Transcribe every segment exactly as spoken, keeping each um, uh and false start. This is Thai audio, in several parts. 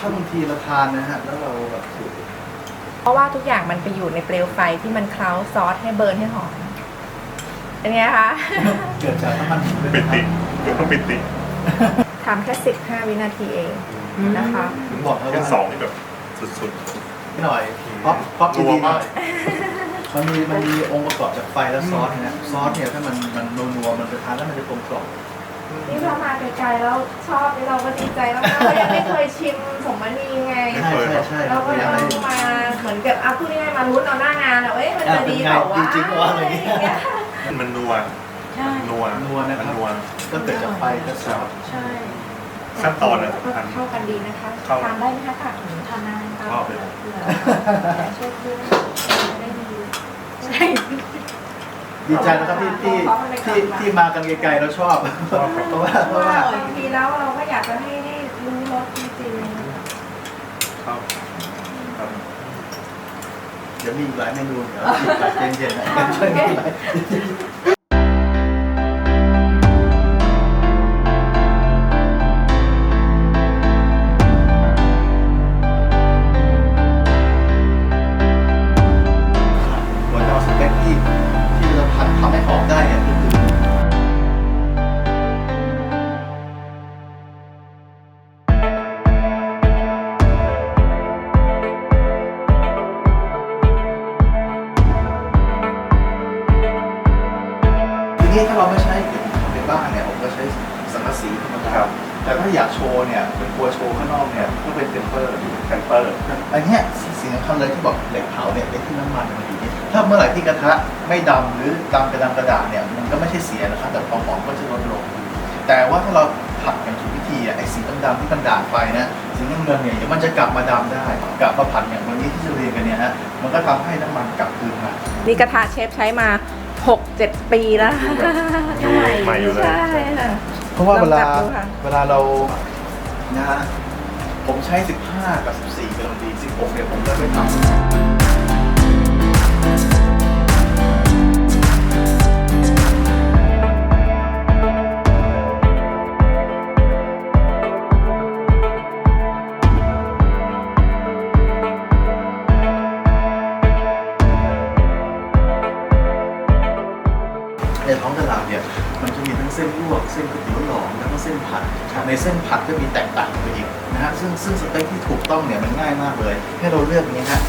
ถ้าบางทีเราทานนะฮะแล้วเราแบบถูกเพราะว่าทุกอย่างมันไปอยู่ในเปลวไฟที่มันเคล้าซอสให้เบิร์นให้หอมเป็นไงคะเกิดจากน้ำมันหมูเลยปินะคติรับต้องปิติทำแค่สิบห้าวินาทีเองนะคะถึงบอกแล้วแค่ว่าสองนี่แบบสุดหน่อยเพราะเพราะรัวดีๆหมาน่อก ยมันมีมันมีองค์ประกอบจากไฟและซอสนะซอสเนี่ยถ้ามันมันนัวๆมันจะทานแล้วมันจะกลมกล่อมนี่เรามาไกลๆแล้วชอบนี่เราก็ดีใจแล้วนะเรายังไม่เคยชิมสมมณีไงใช่ใช่ใช่เราก็อยัยากงให้มาเหมือนกับเอาพูดง่ายๆมาลุ้นเอาหน้างานอะเอ้ยมันจะดีเปล่าวะจริงๆว่าอะไรเงี้ยมันนัวใช่นัวนัวนะครับมันัวก็เกิดจากไฟและซอสใช่ขั้นตอนน่ะสำคัญเข้ากันดีนะคะเข้าทานได้ไหมคะค่ะทานได้ชอบเลยเผื่อช่วยเพื่อนได้ดีใช่ดีใจนะครับที่ที่ที่ที่มากันไกลๆเราชอบ เพราะว่าเพเพราะราะว่าว่าบางทีแล้วเราก็อยากจะให้ให้รู้รสจริงชอบครับเดี๋ยวมีอีกหลายเมนูเดี๋ยวอีกหลายเย็นๆนะช่วยกันหลายหัวเราสเต็กที่ที่เราผัดทำให้หอมได้เนี่ยก็คือ ทีนี้ถ้าเราไม่ใช้ในบ้านเนี่ยผมก็ใช้สังกะสีธรรมดาแต่ถ้าอยากโชว์เนี่ยเป็นกลัวโชว์ข้างนอกเนี่ยก็เป็นเทมเปอร์แคนเปอร์อันเนี้ยสิ่งสำคัญเลยที่บอกเหล็กเผาเนี่ยเป็นที่น้ำมันมันดีนี่ถ้าเมื่อไหร่ที่กระทะไม่ดำหรือดำกระดำกระดาษเนี่ยมันก็ไม่ใช่เสียนะครับแต่ความหอมก็จะลดลง แต่ว่าถ้าเราผัดอย่างถูกวิธีอ่ะไอ้สีดำๆที่มันด่างไปนะสีน้ำเงินเนี่ยเดี๋ยวมันจะกลับมาดำได้กลับมาผัดอย่างวันนี้ที่จะเรียนกันเนี่ยฮะมันก็ทำให้น้ำมันกลับคืนมาๆนี่กระทะเชฟใช้มาหกเจ็ดปีแล้วอยู่ใหม่อยู่เลยใช่ค่ะเพราะว่าเวลาลองจับดูค่ะเวลาเรานะฮะผมใช้สิบห้ากับสิบสี่กำลังดีสิบหกเนี่ยผมก็ไปทำในท้องตลาดเนี่ยมันจะมีทั้งเส้นลวกเส้นก๋วยเตี๋ยวหลอมแล้วก็เส้นผัดในเส้นผัดก็มีแตกต่างกันไปอีกนะฮะซึ่งซึ่งสเต็กที่ถูกต้องเนี่ยมันง่ายมากเลยให้เราเลือกอย่างนี้ฮะ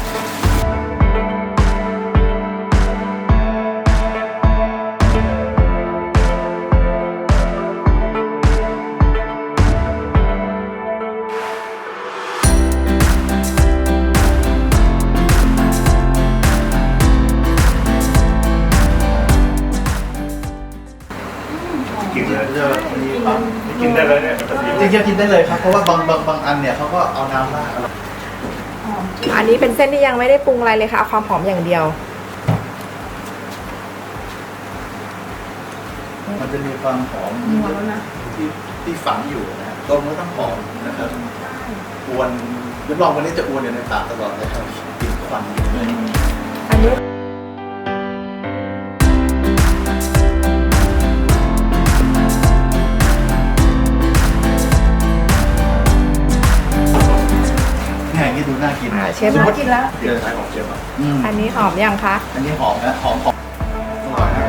กินเลยจะมีปั๊มกินได้เลยเนี่ยปกติจริงๆกินได้เลยครับเพราะว่าบางบางบางอันเนี่ยเขาก็เอาน้ำราดเอาอันนี้เป็นเส้นที่ยังไม่ได้ปรุงอะไรเลยค่ะเอาความหอมอย่างเดียวมันจะมีความหอมที่ที่ฝังอยู่นะฮะต้มแล้วต้องหอมนะครับอวนรับรองวันนี้จะอวนอยู่ในปากตลอดเลยครับกลิ่นควันอยู่เลยอันนี้เนี่ยอย่างนี้ดูน่ากินอ่าเชฟสมน่ามติกินแล้วเดี๋ยวใช้ของเชฟอ่ะอืมอันนี้หอมยังคะอันนี้หอมนะหอมหอมอร่อยนะ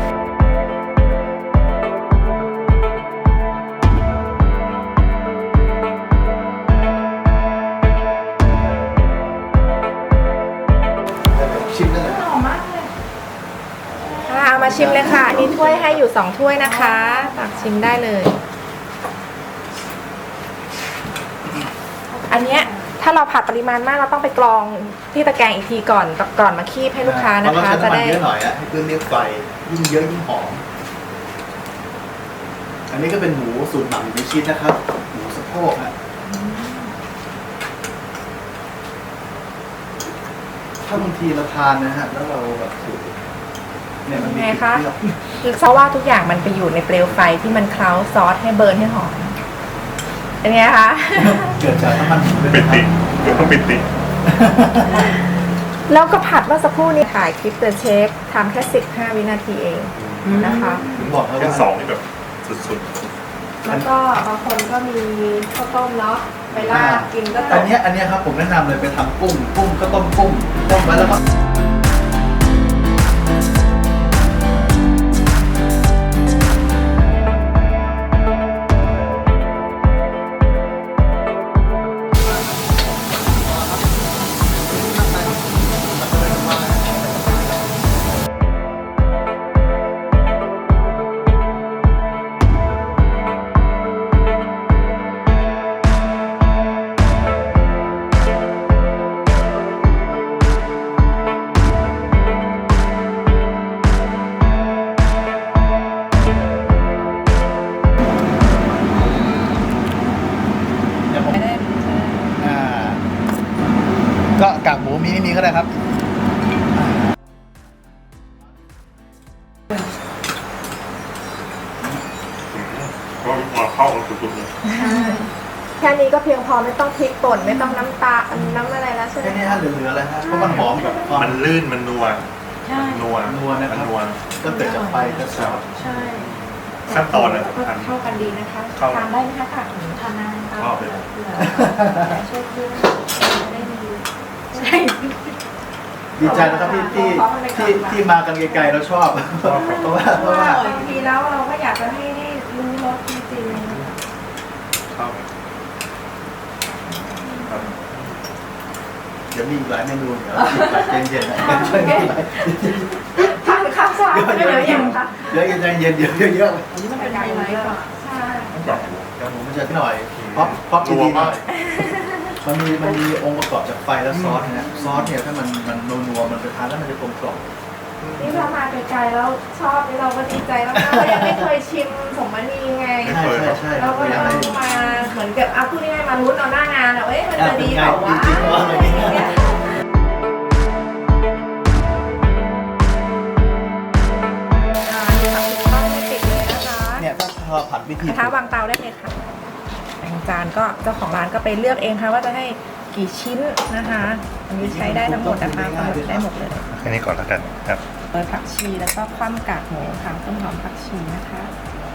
ชิมได้เลยหอมมากเลยค่ะเอามาชิมเลยค่ะอันนี้ถ้วยให้อยู่สองถ้วยนะคะตักชิมได้เลย อันเนี้ยถ้าเราผัดปริมาณมากเราต้องไปกรองที่ตะแกรงอีกทีก่อนก่อนมาคีบให้ลูกค้านะคะจะจะได้ได้เยอะหน่อยอะให้เพื่อนเรียกไฟยิ่งเยอะยิ่งหอม อันนี้ก็เป็นหมูสูตรหมักอยู่ในชิ้นนะครับ หมูสะโพกฮะถ้าบางทีเราทานนะฮะแล้วเราแบบสูตรเนี่ยมันมีไงกลิ่นคะเปรี้ยวคือเพราะว่าทุกอย่างมันไปอยู่ในเปลวไฟที่มันเคล้าซอสให้เบิร์นให้หอมเป็นไงคะเกิดจากน้ำมันหมูเลยปินะคติรับต้องปิติแล้วก็ผัดเมื่อสักครู่นี้ถ่ายคลิปเดอะเชฟทำแค่สิบห้าวินาทีเองนะคะถึงบอกแล้วแค่ว่าสองนี่แบบสุดแล้วก็บางคนก็มีข้าวต้มเนาะไปลาดกินก็ตอันกเนี้ยอันเนี้ยครับผมแนะนำเลยไปทำกุ้งกุ้งก็ต้มกุ้งต้มไว้แล้วก็เดี๋ยวผมไม่ได้อ่าก็กากหมูมีไม่มีก็ได้ครับก็มาเข้ากันสุดๆเลยแค่นี้ก็เพียงพอไม่ต้องพริกป่นไม่ต้องน้ำตาลน้ำอะไรแล้วใช่ไหมแค่นี้ฮะเหลือๆอะไรฮะเพราะมันหอมแบบความมันลื่นมันนัวใช่นัวนัวนะครับมันัวก็เกิดจากไฟกระแสใช่ขั้นตอนนะก็เข้ากันดีนะคะเข้าทานได้ไหมคะค่ะหนูทานได้ชอบเลยเผื่อช่วยเพื่อนจะได้ดีใช่ดีใจนะครับที่ที่ที่ที่มากันไกลๆแล้วชอบ เพราะว่าเพเพราะราะว่าว่าบางทีแล้วเราก็อยากจะให้ได้รู้รสจริงเข้าครับเดี๋ยวมีอีกหลายเมนูเดี๋ยวใจเย็นๆนะช่วยกันหลายๆทานข้าวเช้าเดี๋ยวไม่เดี๋ยวเดี๋ยวเดี๋ยัยวงคะเดี๋ยวใจเย็นๆเดี๋ยวเยอะอันนี้มันเป็นไฮไลท์ก่อนใช่แบบหมูๆเดี๋ยวผมมันจะหน่อยเพราะเพราะทีนี้หน่อยมันมีมันมีองค์ประกอบจากไฟและซอสนะซอสเนี่ยถ้ามันมันนัวๆมันไปทานแล้วมันจะกลมกล่อมนี่เรามาไกลๆแล้วชอบนี่เราก็ดีใจมากๆเรายังไม่เคยชิมสมมณีไงใช่ใช่ใช่เราก็อยากเอาให้มาเหมือนกับเอาพูดง่ายๆมาลุ้นเอาหน้างานอะเอ้ยมันจะดีอ่ะเปล่าวะเป็นไงจริงๆว่าอะไรอย่างเงี้ยเนี่ย อ่านี่ค่ะคุณป้าไม่ติดเลยนะคะเนี่ยถ้าเราผัดวิธีกระทะวางเตาได้เลยค่ะแต่งจานก็เจ้าของร้านก็ไปเลือกเองค่ะว่าจะให้กี่ชิ้นนะคะ อันนี้ใช้ได้ทั้งหมดนะคะได้หมดเลยแค่นี้ก่อนแล้วกันครับโรยผักชีแล้วก็คว่ำกากหมูค่ะต้นหอมผักชีนะคะ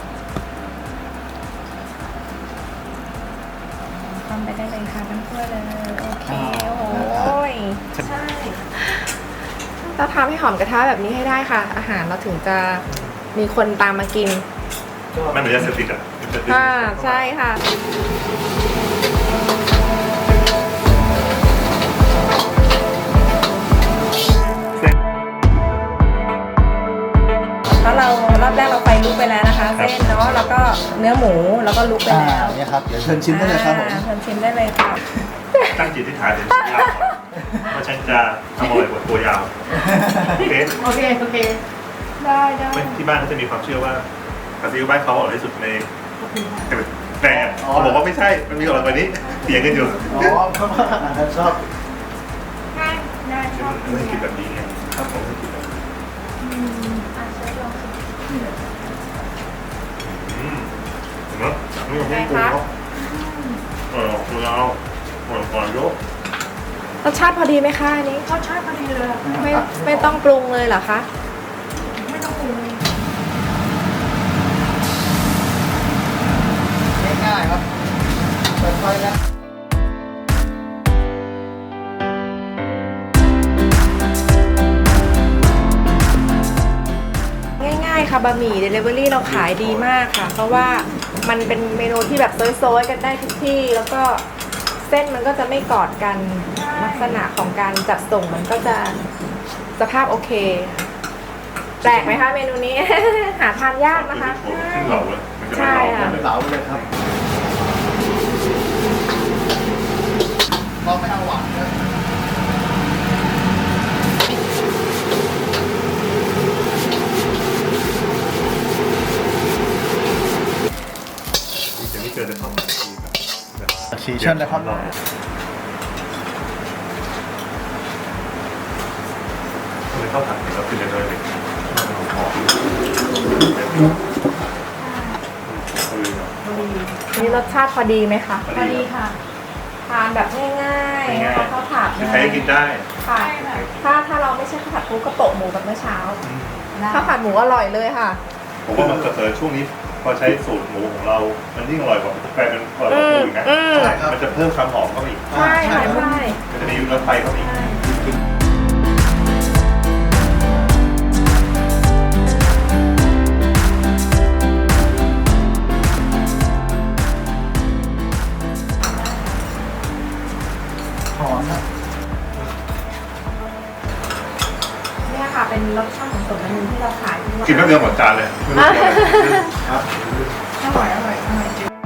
คว่ำไปได้เลยค่ะทั้งถ้วยเลยโอเคโอ้ยใช่เราทำให้หอมกระทะแบบนี้ให้ได้ค่ะ อาหารเราถึงจะมีคนตามมากินไม่เหมือนยาเสพติดอ่ะค่ะใช่ค่ะเพราะเรารอบแรกเราไฟลุกไปแล้วนะคะ เส้นเนาะแล้วก็เนื้อหมูแล้วก็ลุกไปอ่าแล้วเนี่ยครับเดี๋ยวเชิญชิมได้เลยครับผมอ่าเชิญชิมได้เลยค่ะตั้งจิตที่ฐานถึงยาวก่อนว่าฉันจะทำอะไรบทตัวยาวโอเคโอเคโอเคได้ได้ไม่ที่บ้านเขาจะมีความเชื่อว่าผัดซีอิ๊วบ้านเขาอร่อยที่สุดในแต่เขาบอกว่าไม่ใช่ มันมีอร่อยกว่านี้เถียงกันอยู่อ๋อเพราะว่าอาจารย์ชอบได้ได้ชอบไม่คิดแบบนี้ไงครับผมอืมอ่ะเชฟลองชิมอืมเห็นไหมนี่มันไม่ปรุงเนาะเออคุณเอาก่อนก่อนยกรสชาติพอดีไหมคะอันนี้รสชาติพอดีเลยไม่ไม่ต้องปรุงเลยเหรอคะไม่ต้องปรุงเลยง่ายๆครับเปิดไฟแล้วง่ายๆค่ะบะหมี่เดลิเวอรี่เราขายดีมากค่ะ เพราะว่ามันเป็นเมนูที่แบบโซยๆกันได้ทุกที่ แล้วก็เส้นมันก็จะไม่กอดกันลักษณะของการจัดส่งมันก็จะสภาพโอเคแปลกไหมคะเมนูนี้ หาทานยากนะคะขึ้นเหล่าเลยมันจะใช่ไม่เหล่าค่ะเป็นเหลาเลยครับลองไม่เอาหวานเลยจะไม่เกินจะเข้ามาทีแบบสีเชิญเลยครับทำไมเข้าถังแล้วขึ้นเลยเลยหอมนี่รสชาติพอดีไหมคะพอดีค่ะทานแบบง่ายๆข้าวผัดใครก็กินได้ค่ะถ้าถ้าเราไม่ใช่ข้าวผัดปูกระโปะหมูแบบเมื่อเช้าข้าวผัดหมูอร่อยเลยค่ะผมว่ามันกระเสริช่วงนี้พอใช้สูตรหมูของเรา มันยิ่งอร่อยกว่าแปลเป็นอร่อยกว่าอื่นนะอืมใช่ครับมันจะเพิ่มความหอมเข้าไปอีกใช่ค่ะใช่มันจะมีรสไฟเข้าไปอีกหอมนะเนี่ยค่ะเป็นรสชาติของส่วนอันหนึงที่เราขายที่ว่ากินแป๊บเดียวหมดจานเลยไม่รู้เกี่ยวอะไรครับอร่อยอร่อยอร่อยจริง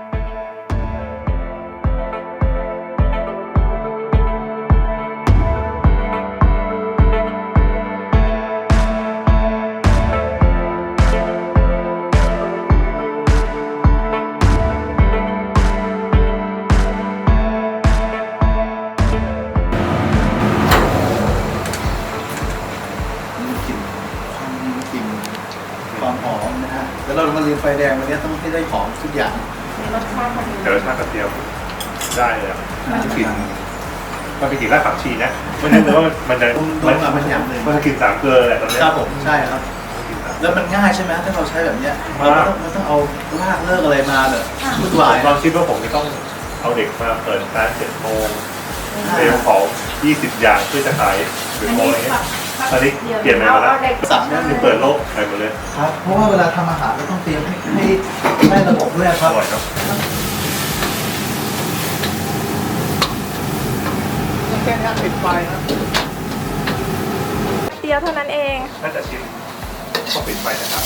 กลิ่นความกลิ่นความหอมนะฮะแล้วเรามาเรียนไฟแดงวันนี้ต้องให้ได้หอมทุกอย่างในรสชาติพอดีแต่รสชาติกระเทียมได้เลยอะมันจะกลิ่นมันเป็นกลิ่นรากผักชีนะไม่นึกเลยว่ามันจะผมโดนมาเป็นอย่างหนึ่งมันจะกลิ่นสามเกลือแหละตอนเนี้ยครับผมใช่ครับกลิ่นสามเกลือแล้วมันง่ายใช่ไหมถ้าเราใช้แบบเนี้ยมากเราไม่ต้องไม่ต้องเอาลากเลิกอะไรมาแบบวุ่นวายผมลองคิดว่าผมจะต้องเอาเด็กมาเปิดร้านเจ็ดโมงเตรียมของยี่สิบอย่างเพื่อจะขายหรืออันของนี้อะไรเงี้แบยบตอนนี้เปลี่ยนไปเอาหมดแล้วเอาเด็กสามเนี่ยคือเปิดโลกไปหมดเลยครับเพราะว่าเวลาทำอาหารเราต้องเตรียมให้ให้ให้ระบบด้วยคอรับร่อยเนาะแค่นี้ปิดไฟนะเดียวเท่านั้นเองน่าจะชิมก็ปิดไฟนะครับ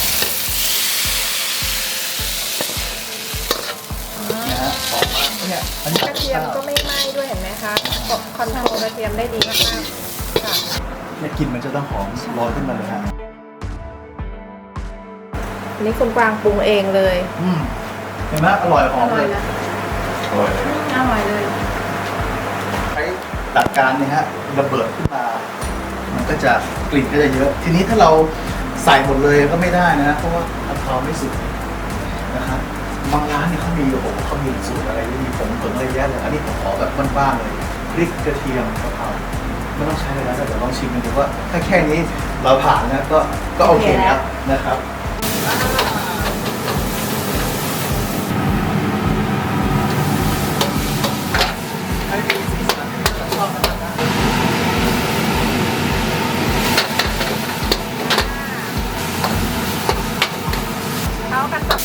นะฮะหอมมากเนี่ยอันนี้กระเทียมก็ไม่ไหม้ด้วยเห็นไหมคะกดคอนโทรลกระเทียมได้ดีมากๆค่ะเนี่ยกลิ่นมันจะต้องหอมลอยขึ้นมาเลยฮะอันนี้คุณกวางปรุงเองเลยอืมเห็นไหมอร่อยหอมเลยอร่อยเลยอร่อยเลยใช้หลักการเนี่ยฮะระเบิดขึ้นมา มันก็จะกลิ่นก็จะเยอะ ทีนี้ถ้าเราใส่หมดเลยก็ไม่ได้นะเพราะว่าอัลกอฮอล์ไม่สุกนะครับบางร้านเนี่ยเขามีโอ้โหเขามีสูตรอะไรมีผงผงอะไรเยอะเลยอันนี้ผมขอแบบบ้านๆเลยพริกกระเทียมกะเพราไม่ต้องใช้เลยนะแต่เดี๋ยวลองชิมกันดูว่าถ้าแค่นี้เราผ่านนะก็ก็โอเคแล้วนะครับเข้ากันแบบ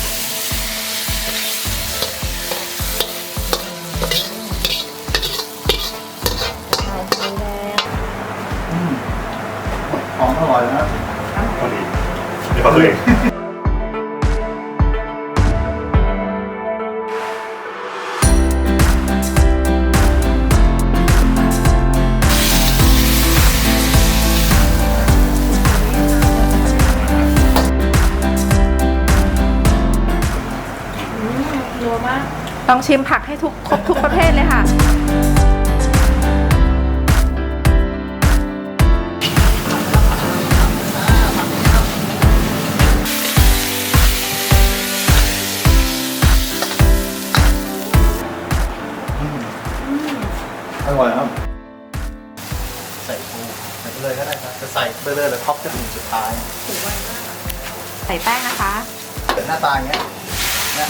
ใส่ไฟแดงอืมหอมอร่อยนะพอดีเดี๋ยวขอตัวเองนัวมากต้องชิมผักให้ทุกครบทุกประเภทเลยค่ะอร่อยครับ ใส่ปูใส่ไปเลยก็ได้ครับจะใส่ไปเลยแล้วท็อปจะเป็นสุดท้ายใส่แป้งนะคะเกิดหน้าตาอย่างเงี้ยเนี่ย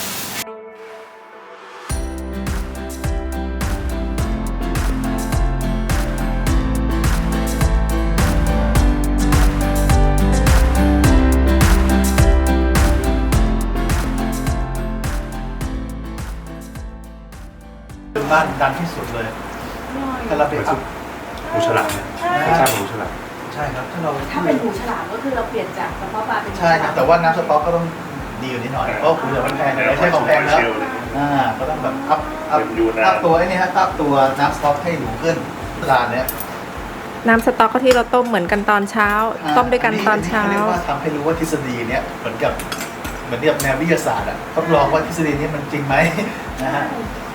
เป็นบ้านดังที่สุดเลย ถ้าเราไปอัพหมูฉลามเนี่ยไม่ใช่หมูฉลามใช่ครับ ถ้าเราถ้าเป็นหูฉลามก็คือเราเปลี่ยนจากกระเพาะปลาเป็นหูใช่ครับ แต่ว่าน้ำสต๊อกก็ต้องดีกว่านี้หน่อย เพราะเหลือมันแพงไม่ใช่ของแพงแล้ว อ่า ก็ต้องแบบอัพ อัพเป็นยูนานอัพตัวไอ้นี่ฮะอัพตัวน้ำสต๊อกให้หนูขึ้นร้านเนี้ยน้ำสต๊อกก็ที่เราต้มเหมือนกันตอนเช้า ต้มด้วยกันตอนเช้าเรียกว่าทำให้รู้ว่าทฤษฎีเนี้ยเหมือนกับเหมือนกับแนววิทยาศาสตร์อะทดลองว่าทฤษฎีนี้มันจริงไหมนะฮะ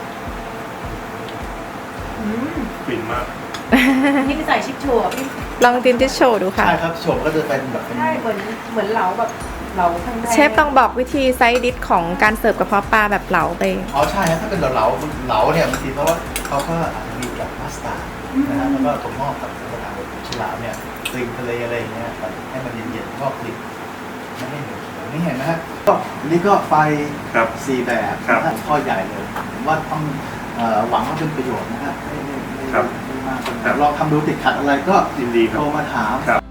อืมฟินมากนี่ใส่ชิคชัวพี่ลองจินจิโชว์ดูค่ะใช่ครับโฉมก็จะเป็นแบบเป็นใช่เหมือนเหมือนเหลาแบบเหลาแพงๆเชฟต้องบอกวิธีไซส์ดิชของการเสิร์ฟกระเพาะปลาแบบเหลาไปอ๋อใช่ฮะถ้าเป็นเหลาๆเหลาเนี่ยบางทีเพราะว่าเขาก็อาจจะมีกับมัสตาร์ดนะฮะแล้วก็ผมงอกกับกระถางแบบฉลามเนี่ยกลิ่นทะเลอะไรอย่างเงี้ยครับให้มันเย็นๆงอกกลิ่นไม่ให้เหนียวเขียวนี่เห็นไหมฮะก็อันนี้ก็ไฟครับสี่แบบครับนะฮะข้อใหญ่เลยผมว่าต้องเอ่อหวังว่าเป็นประโยชน์นะฮะไม่ไม่ไม่ครับไม่มากครับลองทำดูติดขัดอะไรก็ยินดีครับโทรมาถามครับ